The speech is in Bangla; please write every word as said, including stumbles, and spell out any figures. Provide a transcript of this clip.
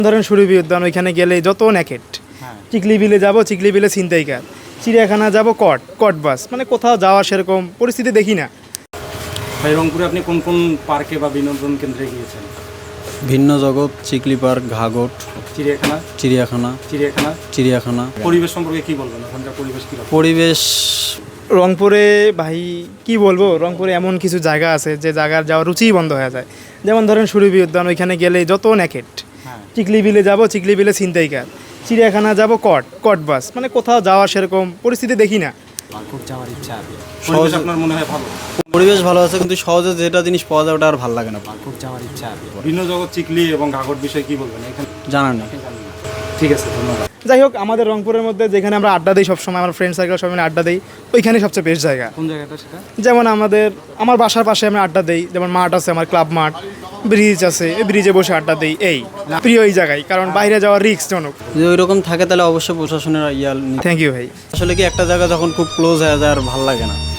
ধরেন সুরভি উদ্যান, ওইখানে গেলে যত ন্যাকেট, হ্যাঁ চিকলি বিলে যাবো, চিকলি বিলে ছিনতাইকার, চিড়িয়াখানা যাব কট কট বাস, মানে কোথাও যাওয়া সেরকম পরিস্থিতি দেখি না। ভাই রংপুরে আপনি কোন কোন পার্কে বা বিনোদন কেন্দ্রে গিয়েছেন? ভিন্ন জগৎ, চিকলি পার্ক, ঘাঘট, চিড়িয়াখানা চিড়িয়াখানা চিড়িয়াখানা চিড়িয়াখানা পরিবেশ সম্পর্কে কি বলবেন? ওখানকার পরিবেশ কি? পরিবেশ রংপুরে ভাই কি বলবো, রংপুরে এমন কিছু জায়গা আছে যে জায়গার যাওয়ার রুচিই বন্ধ হয়ে যায়। যেমন ধরেন সুরভি উদ্যান, ওইখানে গেলে যত ন্যাকেট, হ্যাঁ চিকলি বিলে যাব, চিকলি বিলে ছিনতাইকার, চিড়িয়াখানা যাব কট কট বাস, মানে কোথাও যাওয়া সেরকম পরিস্থিতি দেখি না। খুব যাওয়ার ইচ্ছা আছে। পরিবেশ আপনার মনে হয় ভালো? পরিবেশ ভালো আছে, কিন্তু সহজে যেটা জিনিস পাওয়া যায় ওটা আর ভালো লাগে না। খুব যাওয়ার ইচ্ছা আছে। ভিন্ন জগৎ, চিকলি এবং ঘাঘট বিষয়ে কি বলবেন? এখানে জানা নেই। ঠিক আছে, ধন্যবাদ। যাই হোক, আমাদের রংপুরের মধ্যে যেখানে আমরা আড্ডা দিই সবসময়, আমার ফ্রেন্ড সার্কেল সবাই মিলে আড্ডা দিই, ওইখানে সবচেয়ে বেস্ট জায়গা। কোন জায়গাটা সেটা? যেমন আমাদের আমার বাসার পাশে আমরা আড্ডা দিই, যেমন মাঠ আছে, আমার ক্লাব মাঠ, ব্রিজ আছে, এই ব্রিজে বসে আড্ডা দিই। এই প্রিয় এই জায়গায়, কারণ বাইরে যাওয়া রিস্ক জনক। যদি ওই রকম থাকে তাহলে অবশ্যই প্রশাসনের ইয়াল। থ্যাংক ইউ ভাই। আসলে কি একটা জায়গা যখন খুব ক্লোজ হয়ে যায় আর ভালো লাগে না।